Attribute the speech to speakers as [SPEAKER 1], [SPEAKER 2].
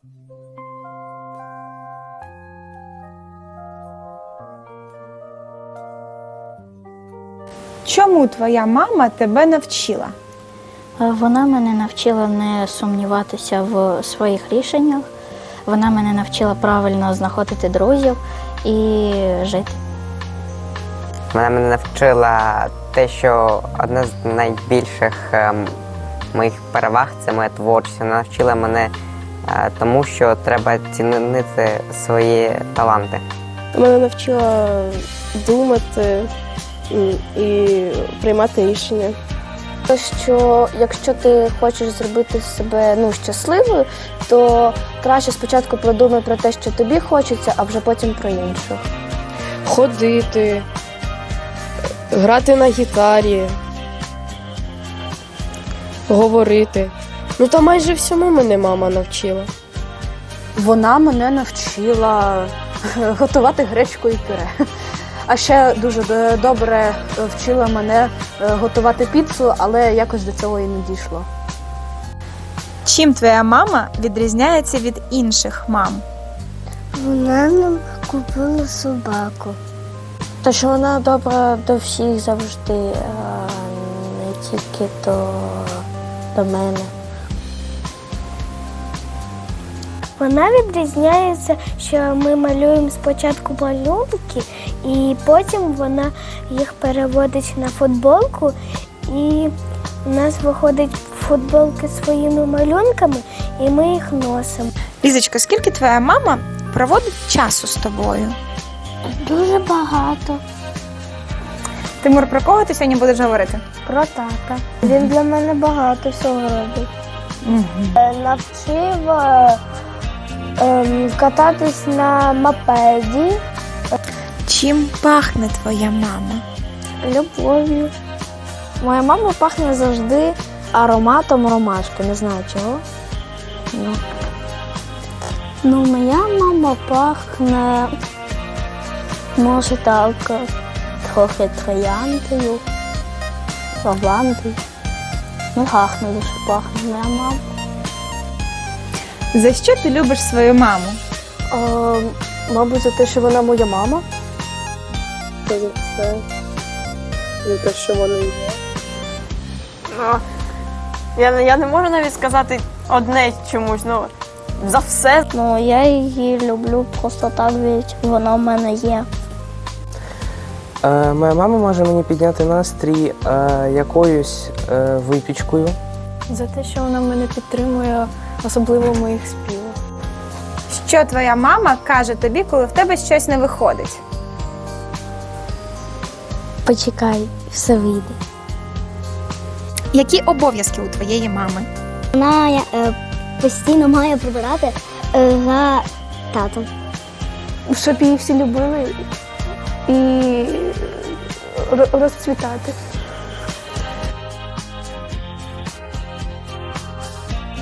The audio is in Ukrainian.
[SPEAKER 1] Чому твоя мама тебе навчила?
[SPEAKER 2] Вона мене навчила не сумніватися в своїх рішеннях. Вона мене навчила правильно знаходити друзів і жити.
[SPEAKER 3] Вона мене навчила те, що одна з найбільших моїх переваг – це моя творчість. Вона навчила мене тому, що треба цінити свої таланти.
[SPEAKER 4] Мене навчила думати і приймати рішення.
[SPEAKER 5] Що якщо ти хочеш зробити себе щасливою, то краще спочатку продумай про те, що тобі хочеться, а вже потім про інших.
[SPEAKER 4] Ходити, грати на гітарі, говорити. Та майже всьому мене мама навчила.
[SPEAKER 1] Вона мене навчила готувати гречку і пюре. А ще дуже добре вчила мене готувати піцу, але якось до цього і не дійшло. Чим твоя мама відрізняється від інших мам?
[SPEAKER 5] Вона нам купила собаку.
[SPEAKER 2] Та що вона добра до всіх завжди, не тільки до мене.
[SPEAKER 5] Вона відрізняється, що ми малюємо спочатку малюнки, і потім вона їх переводить на футболку, і у нас виходять футболки своїми малюнками, і ми їх носимо.
[SPEAKER 1] Лізочка, скільки твоя мама проводить часу з тобою?
[SPEAKER 5] Дуже багато.
[SPEAKER 1] Тимур, про кого ти сьогодні будеш говорити?
[SPEAKER 5] Про тата. Він для мене багато всього робить. Навчив кататись на мопеді.
[SPEAKER 1] Чим пахне твоя мама?
[SPEAKER 5] Любов'ю. Моя мама пахне завжди ароматом ромашки, не знаю чого. Моя мама пахне, може так, трохи трояндою, лавандою. Пахне дуже пахне моя мама.
[SPEAKER 1] За що ти любиш свою маму?
[SPEAKER 5] Мабуть, за те, що вона моя мама.
[SPEAKER 4] За все. За те, що вона є.
[SPEAKER 6] Я не можу навіть сказати одне чомусь, за все.
[SPEAKER 5] Я її люблю просто так, ведь вона в мене є.
[SPEAKER 7] Моя мама може мені підняти настрій якоюсь випічкою.
[SPEAKER 4] За те, що вона мене підтримує, особливо в моїх співах.
[SPEAKER 1] Що твоя мама каже тобі, коли в тебе щось не виходить?
[SPEAKER 5] Почекай, все вийде.
[SPEAKER 1] Які обов'язки у твоєї мами?
[SPEAKER 5] Вона постійно має прибирати за татом. Щоб її всі любили і розцвітати.